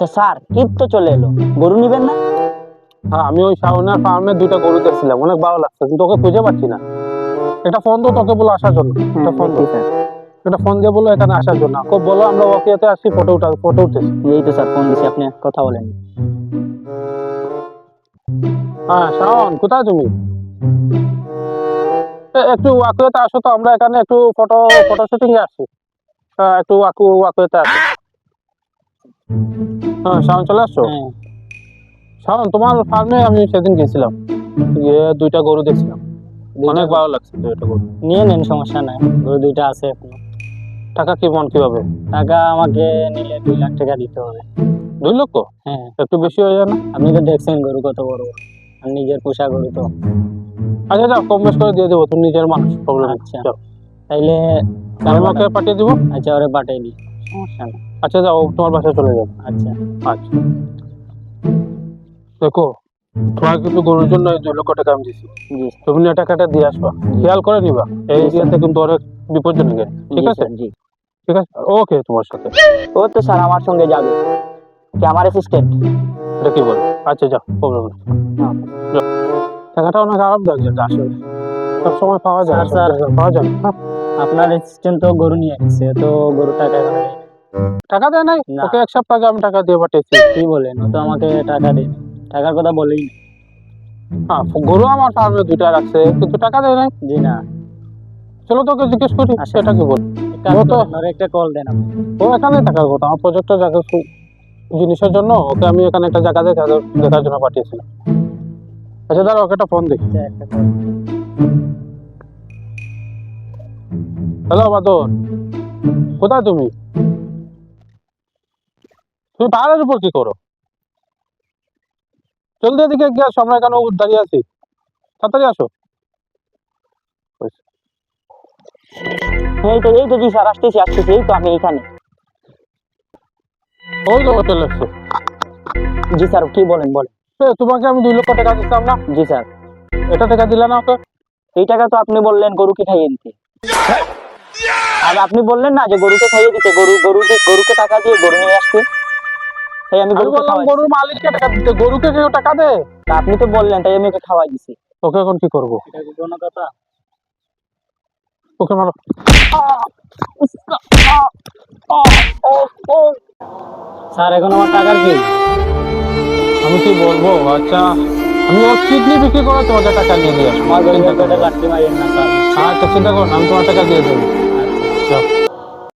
আচ্ছা স্যার, ঈদ তো চলে এলো, গরু নিবেন না? হ্যাঁ, আমি ওই শাওনের ফার্মে 2টা গরু দেখছিলাম, অনেক ভালো লাগছে, কিন্তু তোকে খুঁজে পাচ্ছি না। একটা ফোন তো তোকে বলে আসার জন্য, একটা ফোন দেখছি স্যার। একটা ফোন দিয়ে বলো এখানে আসার জন্য। খুব বলো আমরা ওয়াকিয়াতে আসছি, ফটো উঠেছি। এই তো স্যার ফোন দিছি, আপনি কথা বলেন। হ্যাঁ শাওন, কোথায় তুমি? একটু ওয়াকিয়াতে আসো তো, আমরা এখানে একটু ফটো শুটিং এ আসছি। হ্যাঁ, একটু ওয়াকিয়াতে আসো। হ্যাঁ শাওন, চলে আসছো? হ্যাঁ। শাওন, তোমার ফার্মে আমি সেদিন গেছিলাম, গিয়ে 2টা গরু দেখছিলাম, অনেক ভালো লাগছে 2টা গরু। নিয়ে নেন, সমস্যা নাই, গরু 2টা আছে এখনো। টাকা কেমন, কিভাবে? টাকা আমাকে নিলে 2 লাখ টাকা দিতে হবে। 2 লক্ষ? হ্যাঁ। একটু বেশি হয়ে যায় না? আপনি তো দেখছেন গরু কত বড় বড়, আর নিজের পোষা গরু তো। আচ্ছা যাও, কম বেশ করে দিয়ে দেবো, তুমি নিজের মানুষ, প্রবলেম। আচ্ছা তাইলে আমি ওকে পাঠিয়ে দিব। আচ্ছা, ওরে পাঠিয়ে দিই, সমস্যা নাই। আচ্ছা যাও, ও তোমার বাসায় চলে যাবে। আচ্ছা। আচ্ছা দেখো, তোমার কিন্তু গরুর জন্য 2 লক্ষ টাকা আমি দিচ্ছি, জি তুমি না টাকাটা দিয়ে আসবা, খেয়াল করে নিবা, এই এরিয়াতে কিন্তু অনেক বিপজ্জনক, ঠিক আছে? জি। ঠিক আছে, ওকে তোমার সাথে। ও তো স্যার আমার সঙ্গে যাবে, কি আমার অ্যাসিস্ট্যান্ট? এটা কি বল? আচ্ছা যাও, প্রবলেম নেই। টাকাটা অনেক আরামদায়ক যেটা, আসলে সব সময় পাওয়া যায়, স্যার, সব জায়গায় পাওয়া যায় না। আপনার অ্যাসিস্ট্যান্ট তো গরু নিয়ে গেছে, তো গরু টাকা এখনো দেয়নি। টাকা দেয় নাই? না। ওকে 1 সপ্তাহ আগে আমি টাকা দিয়ে পাঠিয়েছি। কি বলেন, ও তো আমাকে টাকা দেয়নি, টাকার কথা বলেই না। হ্যাঁ, গরু আমার ফার্মে 2টা রাখছে, কিন্তু টাকা দেয় নাই। জি না। চলো তোকে জিজ্ঞেস করি আচ্ছা। সেটা কি বল। এক কাজ ও তো করেন, ওরে একটা কল দেন আপনি। ও এখানে থাকার কথা, আমার প্রজেক্টের জায়গা জিনিসের জন্য ওকে আমি এখানে একটা জায়গা দেখার জন্য পাঠিয়েছিলাম। আচ্ছা দাঁড়া, ওকে একটা ফোন দেখি। আচ্ছা, একটা call। হ্যালো বাদর, কোথায় তুমি? তুমি পাহাড়ের উপর কি করো? জলদি এদিকে এগিয়ে আসো, আমরা এখানে দাঁড়িয়ে আছি, তাড়াতাড়ি আসো। এই তো জি স্যার, আসতেছি, এই তো আমি এখানে। ওই তো চলে এসছে। জি স্যার, কি বলেন বলেন। তোমাকে আমি 2 লক্ষ টাকা দিচ্ছিলাম না, জি স্যার। এটা টাকা দিলে না ওকে? এই টাকা তো আপনি বললেন গরুকে খাইয়ে দিতে, আর আপনি বললেন না যে গরুকে খাইয়ে দিতে, গরুকে টাকা দিয়ে গরু নিয়ে আসতে, তাই আমি আমি গরুকে বললাম খাওয়াই গরুর মালিককে টাকা দিতে, গরুকে কেউ টাকা দেয়? তা আপনি তো বললেন, তাই আমি ওকে খাওয়াই দিছি। ওকে এখন কি করবো? এটা কি কোনো কথা? ওকে মারো। স্যার, এখন আমার টাকার কি? আমি কি বলবো? আচ্ছা, আমি ওর কিডনি বিক্রি করে তোমাদের টাকা নিয়ে দিয়ে আসবো। আমার গরিবের পেটে লাঠি মারিয়েন না স্যার। আচ্ছা চিন্তা করো না, আমি তোমার টাকা দিয়ে দেবো।